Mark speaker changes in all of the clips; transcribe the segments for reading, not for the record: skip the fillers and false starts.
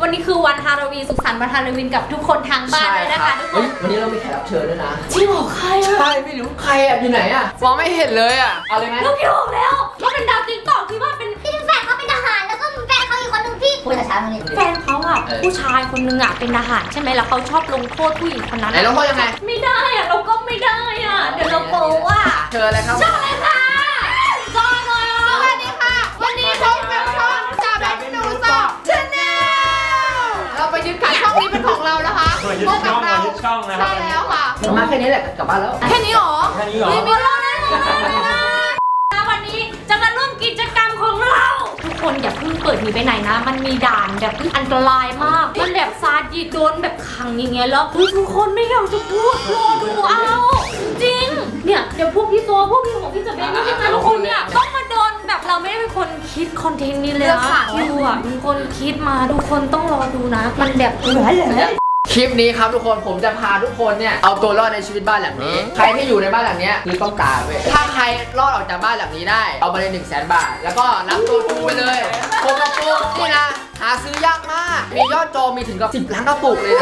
Speaker 1: วันนี้คือวันฮาโลวีนสุขสันต์วันฮาโลวีนกับทุกคนทางบ้านเลยนะคะทุกคน
Speaker 2: วันนี้เรามีแขกรับเชิญด้วยนะ
Speaker 1: จริงเหรอใครอะ
Speaker 2: ใช่ไม่รู้ใครอ่ะอยู่ไหนอ่ะมองไม่เห็นเลยอ่ะเอาเลยไหม
Speaker 1: ลูกพี่บอกแล้วเขาเป็นดาวติ๊กต็อกที่ว่าเป็น
Speaker 3: ที่แฟนเขาเป็นทหารแล้วก็แฟนเขาอีกคนหนึ่งที่พูดช้าๆตรงนี้
Speaker 1: แฟนเขาอะผู้ชายคนนึงอะเป็นทหารใช่ไหมแล้วเขาชอบลงโทษผู้หญิงคนนั้น
Speaker 2: ไหนลงโทษยังไง
Speaker 1: ไม่ได้อะเราก็ไม่ได้อะเดี๋ยวเราโป๊ะอะ
Speaker 2: เชิญเลยครับ
Speaker 1: เชิญเลยค่ะจอยเลย
Speaker 3: สวัสดีค่ะ วันนี้พบกับช่องจ่าแบทหนูสอบชาแนลเราไปยึดค่ะช่องนี้เป็นของเรานะคะพบกับเรา
Speaker 4: ช่องนะครับ
Speaker 3: ใช่แล้วค่ะ
Speaker 2: มาแค่นี้แหละกลับบ้านแล้ว
Speaker 3: แค่นี้หรอ
Speaker 4: แค่นี้เหรอ
Speaker 1: มีเรื่องแน่เลยวันนี้จะมาร่วมกิจกรรมของเราทุกคนอย่าเพิ่งเปิดหนีไปไหนนะมันมีด่านแบบอันตรายมากมันแบบซาดิสโดนแบบขังอย่างเงี้ยแล้วทุกคนไม่อยากจะพูดรอดูเอาจริงเนี่ยเดี๋ยวพวกพี่โซพวกพี่ของพี่จะเป็นยังไงทุกคนเนี่ยต้องมาโดนแบบเราไม่ได้เป็นคนคิดคอนเทนต์นี้เลยนะดูอ่ะเป็นคนคิดมาทุกคนต้องรอดูนะมันแบบเหลือ
Speaker 2: คลิปนี้ครับทุกคนผมจะพาทุกคนเนี่ยเอาตัวรอดในชีวิตบ้านหลังนี้ใครที่อยู่ในบ้านหลังนี้คือต้องตายเว้ยถ้าใครรอดออกจากบ้านหลังนี้ได้เอาไปเลย100,000 บาทแล้วก็รับตัวกูไปเลยโคกระปุกนี่นะหาซื้อยากมากมียอดจองมีถึงกับ10 ล้านกระปุกเลยนะ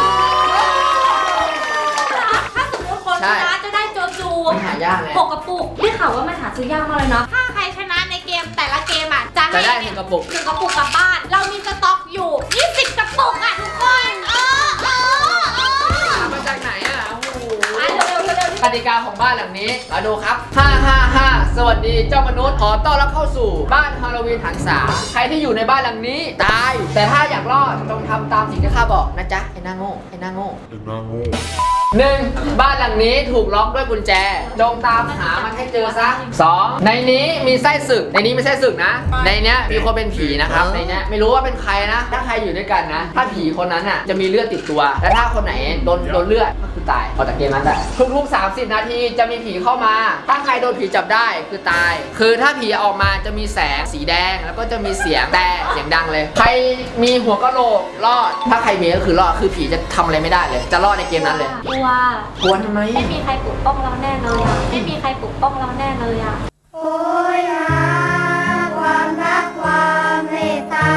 Speaker 1: ถ้าสมมติคนชนะจะได้โจจู
Speaker 2: หายากเลย
Speaker 1: 6 กระปุกได้ข่าวว่ามันหาซื้อยากมากเลยนะถ้าใครชนะในเกมแต่ละเกมอ่ะจะ
Speaker 2: จะ
Speaker 1: ให้
Speaker 2: ได้1 กระปุก
Speaker 1: 1 กระปุกกลับบ้านเรามีสต็อกอยู่20 กระปุกอ่ะทุกคน
Speaker 2: มาจากไหนอ่ะโอ้โห
Speaker 1: เร็ว
Speaker 2: กติกาของบ้านหลังนี้มาดูครับ555สวัสดีเจ้ามนุษย์ขอต้อนรับเข้าสู่บ้านฮาโลวีนหันษาใครที่อยู่ในบ้านหลังนี้ตายแต่ถ้าอยากรอดจงทำตามสิ่งที่ข้าบอกนะจ๊ะไอ้หน้าโง่ไอ้หน้าโง่1. บ้านหลังนี้ถูกล็อกด้วยกุญแจจงตามหามันให้เจอซะ 2. ในนี้มีไส้ศึกในนี้ไม่ใช่ศึกนะในเนี้ยมีคนเป็นผีนะครับในเนี้ยไม่รู้ว่าเป็นใครนะถ้าใครอยู่ด้วยกันนะถ้าผีคนนั้นอ่ะจะมีเลือดติดตัวและถ้าคนไหนโดนเลือดก็คือตายออกจากเกมนั้นได้ทุกๆ30 นาทีจะมีผีเข้ามาถ้าใครโดนผีจับได้คือตายคือถ้าผีออกมาจะมีแสงสีแดงแล้วก็จะมีเสียงแต่เสียงดังเลยใครมีหัวกะโหลกรอดถ้าใครมีก็คือรอดคือผีจะทำอะไรไม่ได้เลยจะรอดในเกมนั้นเลย
Speaker 1: กลัว
Speaker 2: ทำไม
Speaker 1: ไม่มีใครปกป้องเราแน่เลยอ่ะไม่มีใครปกป้องเราแน่เลยอ่ะ
Speaker 3: โอ้ยหาความรักความเมตตา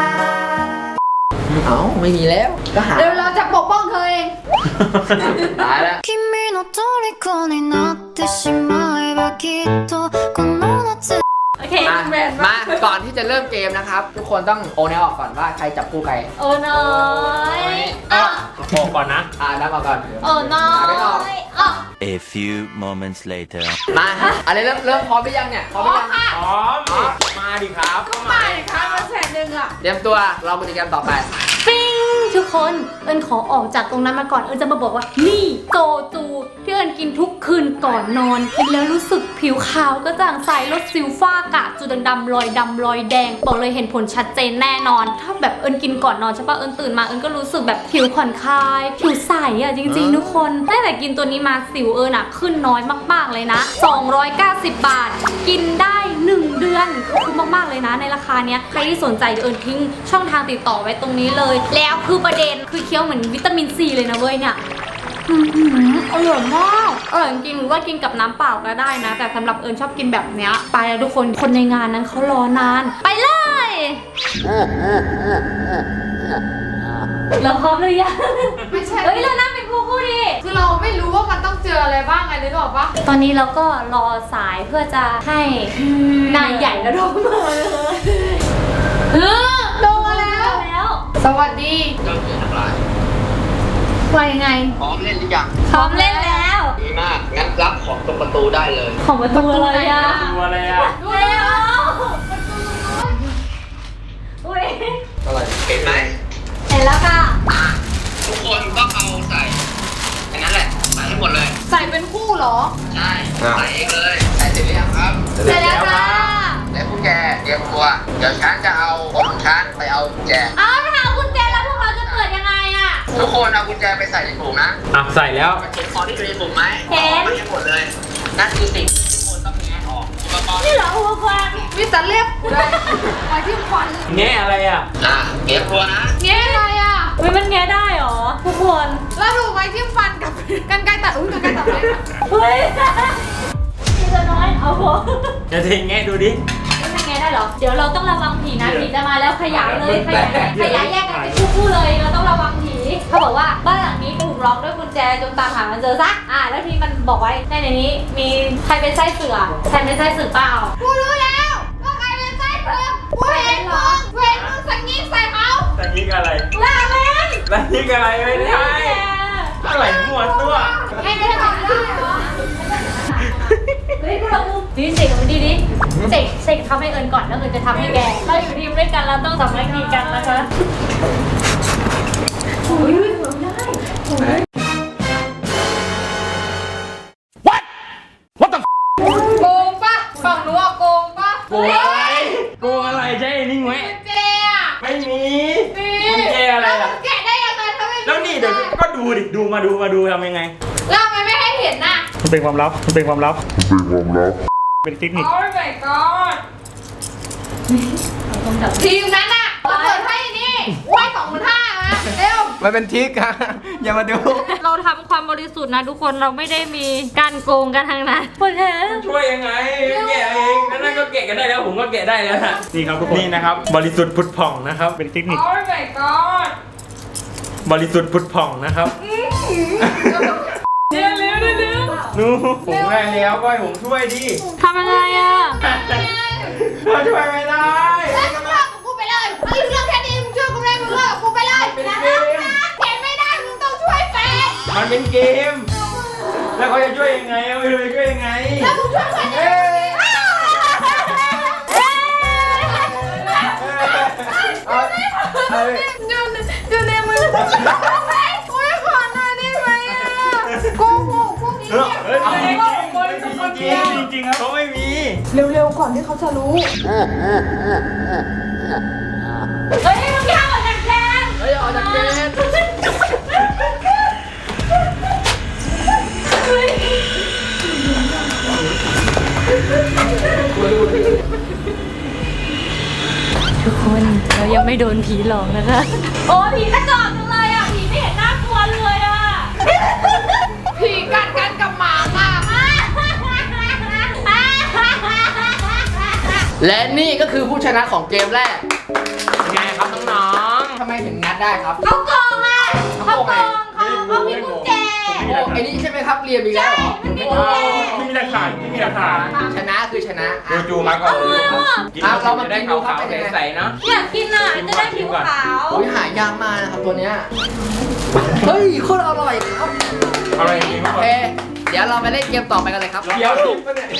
Speaker 2: เอ้าไม่มีแล้วก็หา
Speaker 3: เดี๋ยวเราจะปกป้องเธอเอง
Speaker 2: ตายแล้ว
Speaker 5: 君の虜になってしまえばきっとこの夏
Speaker 1: โอเค
Speaker 2: มาก่อนที่จะเริ่มเกมนะครับทุกคนต้องโอแนวออกก่อนว่าใครจับคู่ใคร
Speaker 1: โอ้น้อยอ่ะ
Speaker 4: บอกก่อนนะ
Speaker 2: นับมาก่อน
Speaker 1: โอ้น้อยอ่ะ
Speaker 6: A few moments later.
Speaker 2: มาอะไรเริ่มพร้อมหรือยังเนี่ยพร้อมหรือยัง
Speaker 4: พร้อม มาดิครับ
Speaker 3: มาเลยค่ะมาแสนหนึ่งอ่ะ
Speaker 2: เตรียมตัวเรากิจกรรมต่อไป
Speaker 1: ปิ้งทุกคนเอิญขอออกจากตรงนั้นมาก่อนเอิญจะมาบอกว่านี่โตจูที่เอิญกินทุกคืนก่อนนอนกินแล้วรู้สึกผิวขาวก็จางใสลดสิวฝ้ากระจุดดำๆรอยดำรอยแดงบอกเลยเห็นผลชัดเจนแน่นอน ถ้าแบบเอิญกินก่อนนอนใช่ปะเอิญตื่นมาเอิญก็รู้สึกแบบผิวผ่อนคลายผิวใสอ่ะจริงๆทุกคนตั้งแต่กินตัวนี้มาสิวเอิญอ่ะขึ้นน้อยมากๆเลยนะ290 บาทกินได้1 เดือนคือมากๆเลยนะในราคาเนี้ยใครที่สนใจเอิญทิ้งช่องทางติดต่อไว้ตรงนี้เลยแล้วคือประเด็นคือเคี้ยวเหมือนวิตามินซีเลยนะเว้ยเนี่ยอร่อยมากอร่อยจริงๆหรือว่ากินกับน้ำเปล่าก็ได้นะแต่สำหรับเอิญชอบกินแบบเนี้ยไปแล้วทุกคนในงานนั้นเขารอนานไปเลยเราพร้อมหรือยัง
Speaker 3: ไม่ใช่
Speaker 1: เฮ้ยเรานั่งเป็นคู่ดิ
Speaker 3: คือเราไม่รู้ว่ามันต้องเจออะไรบ้างไงนึกออกปะ
Speaker 1: ตอนนี้เราก็รอสายเพื่อจะให้นายใหญ่ระดมมาเลย
Speaker 3: โดนมาแล้ว สวัสดี
Speaker 2: เจ้าเสือทั้งหลาย
Speaker 3: ว่ายังไง
Speaker 2: พร้อมเล่นหรือยัง
Speaker 1: พร้อมเล่นแล้ว
Speaker 2: ดีมากงั้นรับของตรงประตูได้เลย
Speaker 1: ของประตูอะไรอะ
Speaker 4: ดูอะไรอ่ะ
Speaker 1: เร็วอุ้ย
Speaker 2: อะไรเห็นไหม
Speaker 1: เห็นแล้วค่ะ
Speaker 2: ทุกคนต้องเอาใส่อันนั้นแหละใส่ให้หมดเลย
Speaker 3: ใส่เป็นคู่เหรอ
Speaker 2: ใช่ใส่เองเลยใส่เสร็จหรือยังครับ
Speaker 1: เสร็จแล้วจ้า
Speaker 2: และพวกแกเตรียมตัวเดี๋ยวฉันจะเอาของฉันไปเอากุญแจ
Speaker 1: อ้าวถ้าเอากุญแจแล้วพวกเราจะเปิดยังไงอะ
Speaker 2: ทุกคนเอากุญแจไปใส่ในถุงนะ
Speaker 4: อ่ะ ใส่แล้ว
Speaker 2: มันเห็นของที่อยู่ในถุงไหม
Speaker 1: เห็น
Speaker 2: มันให้หมดเลย นั่นคือสิ่งที่ทุกคนต้องแงะออกอุปกรณ์
Speaker 1: นี่เหรออุปกรณ์
Speaker 3: มีแต่เล็บเลยไปที่ควัน
Speaker 4: แง่อะไรอ่ะ
Speaker 2: เตรียมตัวนะ
Speaker 3: เงี้ยอะไรอ่ะ
Speaker 1: อุ้ยมันแงะได้เหรอทุกคน
Speaker 3: แล้วดูไว้ที่ฟันกับกันไกรตัดกันไกรตัดเล็บ
Speaker 1: เฮ้ยนี่จะน้อยเอาพอ
Speaker 4: จะทิ้งแง่ดูดิ
Speaker 1: มันแงไงได้เหรอ เดี๋ยวเราต้องระวังผีนะผีจะมาแล้วขยายเลยขยายแยกกันเป็นคู่ๆเลยเราต้องระวังผีเขาบอกว่าบ้านหลังนี้ถูกล็อกด้วยกุญแจจงตามหามันเจอซะแล้วที่มันบอกไว้ในนี้มีใครเป็นไส้เสือใครเป็นไส้เสือเปล่า
Speaker 3: กูรู้แล้วว่าใครเป็นไส้เผือกกูเห็นมึงสังงิกใส่เขา
Speaker 4: แต่ยิงอะไร
Speaker 1: ลาเล่น
Speaker 4: แต่ยิงอะไรไม่ได้อะไรมั่วตัว
Speaker 3: ให้ได้ทำได้เหรอ
Speaker 1: เฮ้ยพวกเราดิเสกกับมันดีดิเสกทำให้เอิญก่อนแล้วเอิญจะทำให้แกเราอยู่ทีมด้วยกันเราต้องสามัคคีกันนะคะโอ้ยหัวได้
Speaker 3: โกงปะฝั่งนู้นโกงปะ
Speaker 4: โกงอะไรโกงอะไรใช่นิ่งไหม
Speaker 3: เจ๊อะ
Speaker 4: ไม่มี
Speaker 3: นี่
Speaker 4: กุญแจอะไรล่ะ
Speaker 3: แกะได้ยังไงทำไม
Speaker 4: แล้วนี่เดี๋ยวก็ดูดิดูมาดูทำยังไง
Speaker 3: แล้วทำไมไม่ให้เห็นน่ะ
Speaker 7: มันเป็นความลับ มันเป็นความลับ เป็นเทคนิค
Speaker 3: โอ้ย my god ทีมนั้นน่ะเราเปิดให้นี่ไหว้25,000นะเร็ว
Speaker 2: มันเป็นทิกอะอย่ามาดู
Speaker 1: เราทำความบริสุทธิ์นะทุกคนเราไม่ได้มีการโกงกันทางนั้นคุณเห็น
Speaker 4: ช่วยยังไงแกะเองนั่นก็แกะกันได้แล้วผมก็แกะได้แล้วนะ
Speaker 7: นี่ครับทุกคน
Speaker 4: นี่นะครับ บริสุทธิ์ผุดผ่องนะครับ
Speaker 7: เป็นเทคนิค
Speaker 3: โอ้ย my god
Speaker 4: บริสุทธิ์ผุดผ่องนะครับ
Speaker 3: เร็ว
Speaker 4: นูผมได้แล้วก็ให้ผมช่วยดิ
Speaker 1: ทำยังไงอะ
Speaker 4: เราช่วยไม่ได้
Speaker 3: แล้วมึงเลิกกับกูไปเลยมึงเรื่องแค่นี้มึงช่วยกูไม่ได้มึงเลิกกับกูไปเลย
Speaker 4: เป็นเกม
Speaker 3: เห็นไม่ได้มึงต้องช่วยแฟน
Speaker 4: มันเป็นเกม แล้วเขาจะช่วยยังไงไม่รู้จะช่วยยังไง
Speaker 3: แล้วมึงช่วยแฟนยังไง ดูในมือโอ้ยขอหน่อยได้ไหมอ่ะโกหกพวกนี้เนี่ย
Speaker 4: เฮ้ยจริงๆครับเขาไม่มี
Speaker 3: เร็วๆก่อนที่เขาจะรู้
Speaker 1: เฮ้ยมึงอย่าออกจากแกน
Speaker 2: เฮ้ยออกจากเกม
Speaker 1: ทุกคนเรายังไม่โดนผีหลอกนะคะโอ้ผีกระจอกจังเลยอ่ะผีไม่เห็นน่ากลัวเลยอ่ะ
Speaker 3: ผีกัดกันกับหมาค่ะ
Speaker 2: และนี่ก็คือผู้ชนะของเกมแรก
Speaker 4: ไงครับน้อง
Speaker 2: ทำไมถึงงัดได้ครับ
Speaker 1: เขาโกงอ่ะเขาโกงเขามีกุญแจ
Speaker 2: โอ้ไอ้นี่ใช่ไหมครับเรียนอีกแล้วเหรอ
Speaker 1: มันมี
Speaker 4: ๆ
Speaker 1: กุญแจ
Speaker 4: ไม่มีหลักฐานไม่มีหลักฐาน
Speaker 2: ชนะคือชนะ
Speaker 4: ดูจูมาก่อนเลย
Speaker 2: เรามากินดูครับเป็นยังไง
Speaker 4: ใสๆเนาะ
Speaker 1: อยากกินอ่ะจะได้ผิวขาว
Speaker 2: โอ้ยหายากมากนะครับตัวเนี้ย เฮ้ยโคตรอร่อยครับ
Speaker 4: อะไรอย่างนี้
Speaker 2: โอเค เดี๋ยวเราไปเล่นเกมต่อไปกันเลยครับ
Speaker 4: เดี๋ยวติดปะเนี่ย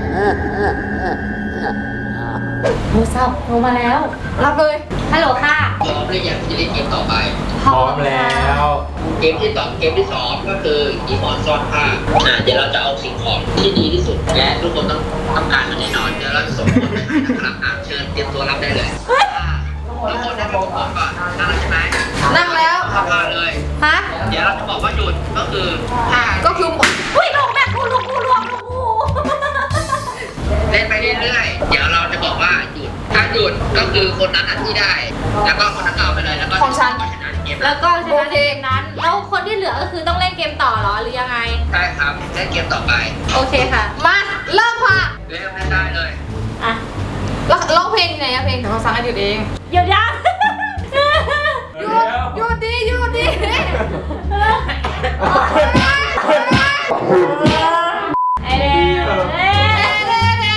Speaker 1: โทรศัพท์โทรมาแล้ว
Speaker 3: รับเลย
Speaker 1: ฮัลโหลค่ะ
Speaker 8: พร้อมหรือยังที่จะเล่นเกมต่อไป
Speaker 4: พร้อมแล้ว
Speaker 8: เกมที่สองก็คืออีมอนซ่อนผ้าเดี๋ยวเราจะเอาสิ่งของที่ดีที่สุด และทุกคนต้องการมันแน่นอนเดี๋ยวเราจะส่งคนไปให้นะครับเชิญเตรียมตัวรับได้เลยทุกคนได้ไปประกอบก่อนนั่งแล้วใช่ไหม
Speaker 3: นั่งแล้ว
Speaker 8: เข้าผ้าเลย
Speaker 1: ฮะ
Speaker 8: เดี๋ยวเราจะบอกว่าหยุดก็คือผ้า
Speaker 3: ก็คือ
Speaker 1: อุ้ยลงแบบกูลงกู
Speaker 8: เล่นไปเรื่อยๆเดี๋ยวเราจะบอกว่าหยุดถ้าหยุดก็คือคนนั้นที่ได้ แล้วก็คนนั้นเอาไปเลยแล้วก็
Speaker 3: ของฉัน
Speaker 8: ก็ชนะเกม
Speaker 1: แล้วก็ชนะในเกมนั้น แล้วคนที่เหลือก็คือต้องเล่นเกมต่อเหรอหรือยังไง
Speaker 8: ใช่ครับเล่นเกมต่อไป
Speaker 1: โอเคค่ะ
Speaker 3: มาเริ่มค่ะ
Speaker 8: เริ่มได้เลย
Speaker 1: อ่ะ
Speaker 3: แล้วร้องเพลงไหนอะเพลงของสังให้หยุดเอง
Speaker 1: เดี๋ยวยัง
Speaker 3: หยุดดิหยุดดิ
Speaker 1: ไอเด็ก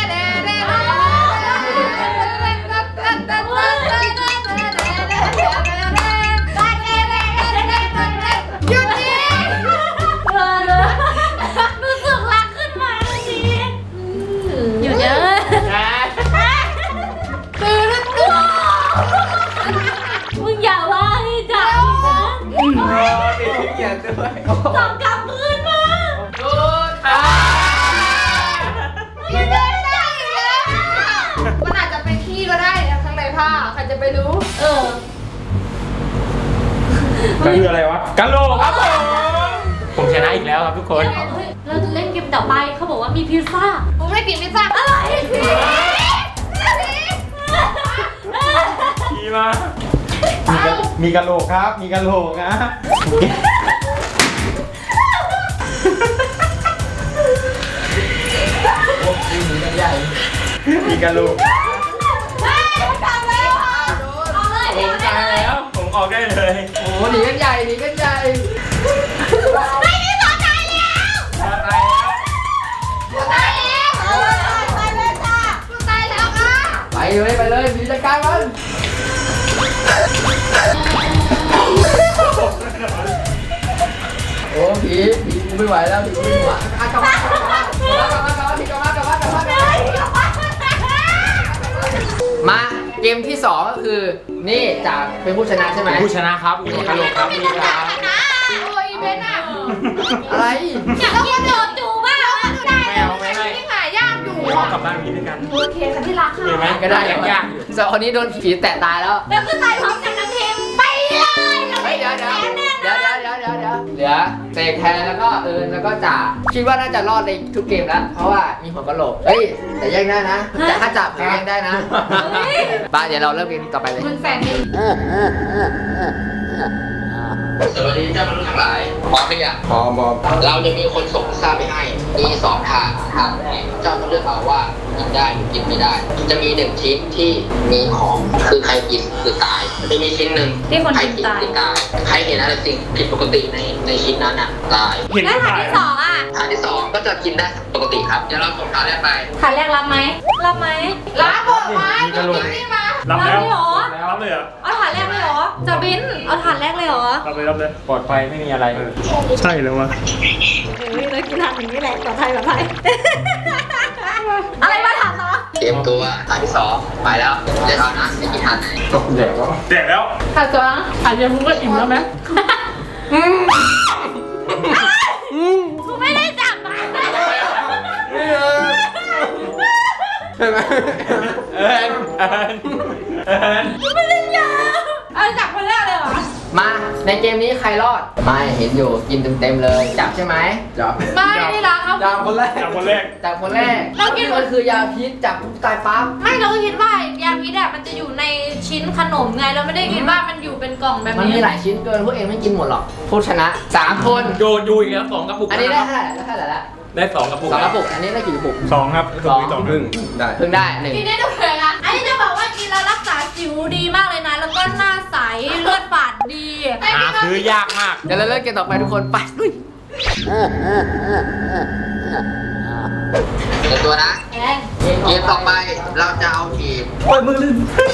Speaker 3: หยุดดิ
Speaker 1: รู้สึกรักขึ้นมาทันทีหยุดเยอะ
Speaker 3: ตื่นแล้วตื่น
Speaker 1: มึงอย่าว่าให้จับนะ
Speaker 2: ติดเกียรด้วย
Speaker 1: จับกลับคืนมา
Speaker 3: ไม่ได้ได้แล้วมันอาจจะเป็นขี้ก็ได้นะข้างในผ้าใครจะไปรู้
Speaker 1: เออ
Speaker 4: คืออะไรวะกะโหลกครับผมชนะอีกแล้วครับทุกคน
Speaker 1: เฮ้ยเราจะเล่นเกมต่อไปเขาบอกว่ามีพิซซ่า
Speaker 3: ผมไม่กินพิซซ่า
Speaker 1: อะไร
Speaker 4: มีมา มีกะโหลกครับ มีกะโหลกนะ มีกะโหลกออกได้เลย
Speaker 2: โอ้โหหนีกันใหญ่หนีกันใหญ่
Speaker 3: ไม่มีต่อตายแล้ว
Speaker 4: ตายแล้ว
Speaker 3: ตายแล้วตายเลยจ้าตายแล้วค่ะ
Speaker 2: ไปเลยมีจัดการมันโอ้ผีกูไม่ไหวแล้วผีกูไม่ไหวกลับมมาเกมที่ 2 ก็คือนี่จะเป็นผู้ชนะใช่ไหม
Speaker 4: ผู้ชนะครับมีหัวกะโหลกครับนี่ครับ
Speaker 3: โอ้ยเบนอ่ะ
Speaker 2: อะไร
Speaker 1: อยากกินโจจูบ้างอะ
Speaker 3: ได้แล้วที่หายากอยู่
Speaker 4: พ่อกลับบ้านกินด้วยกัน
Speaker 1: โอเคค่ะที่รัก
Speaker 4: เห็นไหม
Speaker 1: ค่ะ
Speaker 4: ก็ได้ยากอยู่
Speaker 2: ส่วนคนนี้โดนผีแตะตายแล้ว
Speaker 1: แล้วก็ตายพร้อมกันทั้งทีมไปเลยเรา
Speaker 2: เฮ้
Speaker 1: ไม่
Speaker 2: ยเดี๋ยวเหลือเสกแทนแล้วก็เอิญแล้วก็จ่าคิดว่าน่าจะรอดในทุกเกมแล้ว เพราะว่ามีหัวกะโหลกเฮ้ยแต่แย่งได้นะแต่ถ้าจับแย่งได้นะบ้าเดี๋ยวเราเริ่มเกมต่อไปเลย
Speaker 1: มึงแฟนดิ
Speaker 8: สวัสดีเจ้ามนุษย์ทั้งหลายพร้อมหรือยังพร้อมเราจะมีคนส่งพิซซ่าไปให้มี2 ทางแรกเจ้าต้องเลือกเอาว่ากินได้หรือกินไม่ได้ จะมี1 ชิ้นที่มีของคือใครกินคือตายจะมีชิ้นหนึ่ง
Speaker 1: ที่คน
Speaker 8: ใคร
Speaker 1: กิน
Speaker 8: กิน
Speaker 1: ตาย
Speaker 8: คือตายใครเห็นอะไรสิ่งผิดปกติในชิ้นนั้นอ่ะตาย
Speaker 7: เห็น
Speaker 1: แล้ว
Speaker 7: ก็
Speaker 1: ฐาน
Speaker 7: ตาย
Speaker 1: ที่สองอ่ะ
Speaker 8: ทางที่ 2 ก็จะกินได้ปกติครับเดี๋ยวเราส่งทางแรกไป
Speaker 1: ฐานแรกรับไหมรับไหม
Speaker 3: ลาบอกไว้กินนี่มา
Speaker 7: รับแล้ว
Speaker 1: เลยเหรอ
Speaker 7: รับเลยเหรอ
Speaker 1: เอาฐานแรกเลยเหรอจะบินเอาฐานแรกเลยเหรอ
Speaker 7: รับเลย
Speaker 4: ปลอดภัยไม่มีอะไร
Speaker 7: ใช่แล้ววะ
Speaker 1: เฮ้ยเลยกินฐานอย่างนี้แหละปลอดภัยอะไรมาถามต่อ
Speaker 8: เตรียมตัวทางที่ 2 ไปแล้วเดี๋ยวเอานะจะกินทางไหน
Speaker 7: แดกแล้ว
Speaker 1: ถามตัวอาจจะมึงก็อิ่มแล้วไหมกูไม่ได้จับมา
Speaker 2: ใช่ไหม
Speaker 4: เอิญ
Speaker 1: กูไม่ได้จับเอาจับคนแรกเลยเหรอ
Speaker 2: มาในเกมนี้ใครรอดไม่เห็นอยู่กินเต็มๆเลยจับใช่ไหมจับ
Speaker 1: ไม่ได้รักครับ
Speaker 2: จับคนแรก
Speaker 7: จับคนแรก
Speaker 2: จับคนแรก
Speaker 1: เรากิน
Speaker 2: มันคือยาพิษจับปุ๊บตายปั๊บ
Speaker 1: ไม่เราก็คิดว่ายาพิษอะมันจะอยู่ในชิ้นขนมไงเราไม่ได้คิดว่ามันอยู่เป็นกล่องแบบ
Speaker 2: มัน
Speaker 1: นี้
Speaker 2: มีหลายชิ้นเกินพวกเองไม่กินหมดหรอกผู้ชนะ3 คน
Speaker 4: โดนดูอีกแล้ว2 กระปุก
Speaker 2: อันนี้ได้
Speaker 4: ะครับ
Speaker 2: เท่าไหร่แล้ว
Speaker 4: ได้2 กระปุก
Speaker 2: สองกระปุกอันนี้ได้กี่กระปุก
Speaker 7: 2 ครับ
Speaker 2: สอง
Speaker 7: 2ครึ่งได้
Speaker 2: เพิ่งได้หนึ่ง
Speaker 1: กินได้ด้วยนะอันนี้จะบอกว่ากินแล้วรักษาสิวดีมากเลยนะ แล้วก็หน้าใสเลือดฝาดดี
Speaker 4: หาซื้อยากมาก
Speaker 2: เดี๋ยวเราเริ่มเกมต่อไปทุกคนไปลุย
Speaker 8: เตรียมตัวนะ
Speaker 1: แอน
Speaker 8: เกมต่อไปเราจะเอาทีม
Speaker 7: โอ้ยมือลื่น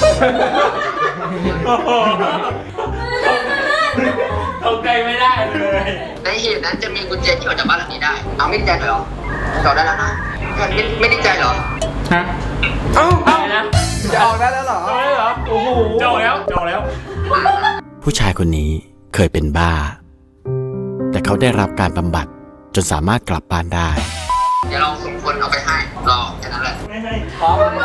Speaker 4: เข้าใกล้ไม่ได้เลย
Speaker 8: ในหีบนั้นจะมีกุญแจที่ออกจากบ้านหลังนี้ได้ เอาไม่ได้ใจเหรอจอดได้แล้วนะไม่ได้ใจเหรอ
Speaker 7: ฮะ
Speaker 4: เอานะ
Speaker 2: จะออกได้แล้วเหรอ
Speaker 4: เอาเลยเหรอ โอ้โห
Speaker 7: จอแล้ว
Speaker 6: ผู้ชายคนนี้เคยเป็นบ้า แต่เขาได้รับการบำบัดจนสามารถกลับบ้านได้
Speaker 8: เดี๋ยวเราส่งคนเอาไปให้รอแค่นั้นแหละ
Speaker 7: ไม่ให้
Speaker 2: พร้อมไหม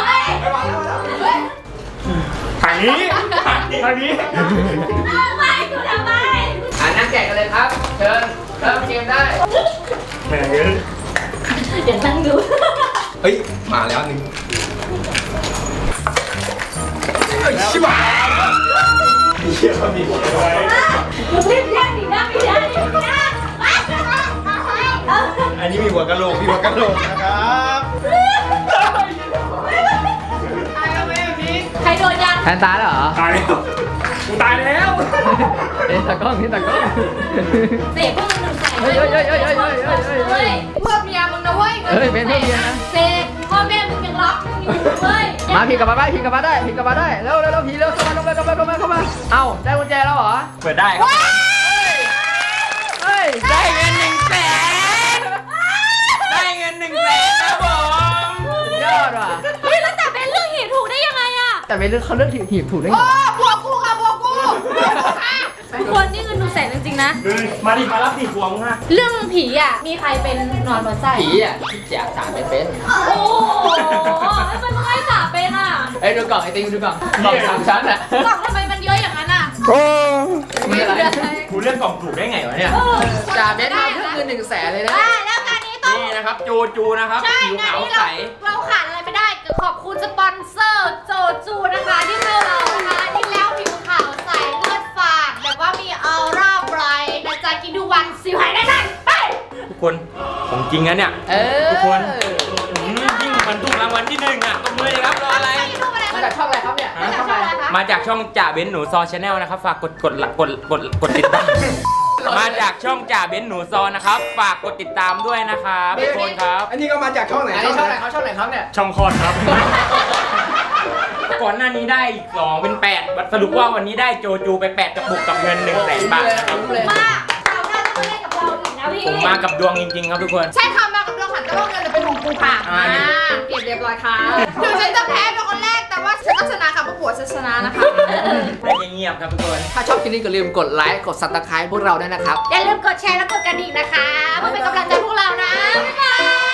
Speaker 7: ทางนี้ทางนี้
Speaker 1: ไม่กูทำไม
Speaker 2: นั่งแกะกันเลยครับ เชิญเริ่มเกมได้
Speaker 7: แหมเยอะ
Speaker 1: เดี๋ยวนั่งดู
Speaker 2: เฮ้ย มาแล้วหนึ่งชิบะ
Speaker 7: เชี่ยมีอะไร
Speaker 1: มึงรีบแยกดินะไม่ได้นะ
Speaker 7: อันนี้มีหัวกะโหลกนะครับ
Speaker 1: ใครโดนยัง
Speaker 2: แทนตาเหรอ
Speaker 7: ตายแล้วกูตายแล้ว
Speaker 2: เอ้ยตากล้องนี่ตากล้อง
Speaker 1: เสกพวกมึงใส่
Speaker 2: เฮ้ยเฮ้ยเฮ้ยเฮ้ยเฮ้ยเฮ้ยเฮ้ย
Speaker 3: เพื่อเมียมึงนะเว้ย
Speaker 2: เฮ้ยเป็นเพื่อนเมียนะ
Speaker 1: เสกพ่อแม่มึงยังรักมึงอยู่เว้ย
Speaker 2: มาผีกลับมาได้ผีกลับมาได้ผีกลับมาได้เร็วเร็วผีเร็วเข้ามาเข้ามาเอ้าได้กุญแจแล้วเหรอ
Speaker 4: เปิดได้ครับ
Speaker 2: เฮ้ยได้เงิน100,000
Speaker 4: ได้เงิน100,000ครับผม
Speaker 2: ยอดว่ะ
Speaker 1: เฮ้ยแล้วจับเป็นเรื่องหีบถูกได้ยังไงอะ
Speaker 2: แต่เป็นเรื่องเขาเลือกหีบถูกได้ไง
Speaker 3: โอ้บวกกูค่ะบวกกู
Speaker 1: ทุกคนนี่เงิน100,000จริงๆนะ
Speaker 7: เลยมาดิมารับดิหัวมึงฮะ
Speaker 1: เรื่องผีอ่ะ มีใครเป็นนอนบนไส้
Speaker 2: ผีอ่ะที่แจกสารเป็น
Speaker 1: โอ้โหแล้วมันไม่สาเป็นอ่ะ
Speaker 2: เอ้ยดูกล่องไอติมดูกล่องกล่อง3 ชั้นอ่ะ
Speaker 1: กล่องทำไมมันเยอะอย่างนั้นอ่ะ
Speaker 2: มีอะไร
Speaker 4: กูเลือกกล่องถูกได้ไงวะเนี่ย
Speaker 2: จ่าเบสมาเพื่อคือ100,000เลยนะ
Speaker 1: แล้วการนี้ต้อง
Speaker 4: นี่นะครับจูนะครับ
Speaker 1: ใช่
Speaker 4: ผิว
Speaker 1: งาน
Speaker 4: ขาว
Speaker 1: นี้
Speaker 4: ใส
Speaker 1: เราขาดอะไรไม่ได้ก็ขอบคุณสปอนเซอร์โจจูนะคะที่ให้เรานะคะที่แล้วผิวขาวใสเลือดฝาดแบบว่ามีออร่าไบรท์นะจ๊ะกินทุกวันสิวหายได้ทันไป
Speaker 4: ทุกคนของจริงนะเนี่ย
Speaker 2: เออ
Speaker 4: ทุกคน ยิ่งมันถูกรางวัลที่1อ่ะตบมือเลยครับรออะไร
Speaker 1: ไปดูอะไร
Speaker 2: เมาจากช่องอะไรครับเนี่ย
Speaker 3: มาจากช่องอะไรคะ
Speaker 4: มาจากช่องจ่าเบนซ์หนูซอชาแนลนะครับ ฝากกดติดตาม มาจากช่องจ่าเบนซ์หนูซอนะครับ ฝากกดติดตามด้วยนะครับทุกคนครับ
Speaker 9: อันนี้ก็มาจากช่องไหน
Speaker 2: อันนี้ช่องไหนเขาช่องไหนครับเนี่ย
Speaker 4: ช่องคลอดครับ ก่อนหน้านี้ได้อีก2เป็น8สรุปว่าวันนี้ได้โจจูไป8กระปุกกับเงิน100,000 บาทนะครับ
Speaker 2: เลย
Speaker 1: มาเราน่าจะมาเล่นกับเราอีกนะพี่
Speaker 4: ผมมากับดวงจริงๆครับทุกคน
Speaker 3: ใช่ค่ะมากับดวงขันแต่ว่าเงินจะเป็นของกูค่ะเก็บเรียบร้อยค่ะถึงฉันจะแพ้เป็นคนแรกแต่ว่าฉันต้องชนะค่ะเพราะผัวฉันชนะนะคะ
Speaker 4: ได้เงียบๆครับทุกคน
Speaker 2: ถ้าชอบคลิปนี้ก็ลืมกดไลค์กด Subscribe พวกเราด้วยนะครับ
Speaker 1: อย่าลืมกดแชร์และกดกระดิ่งนะคะเพื่อเป็นกำลังใจพวกเรานะ บ๊ายบาย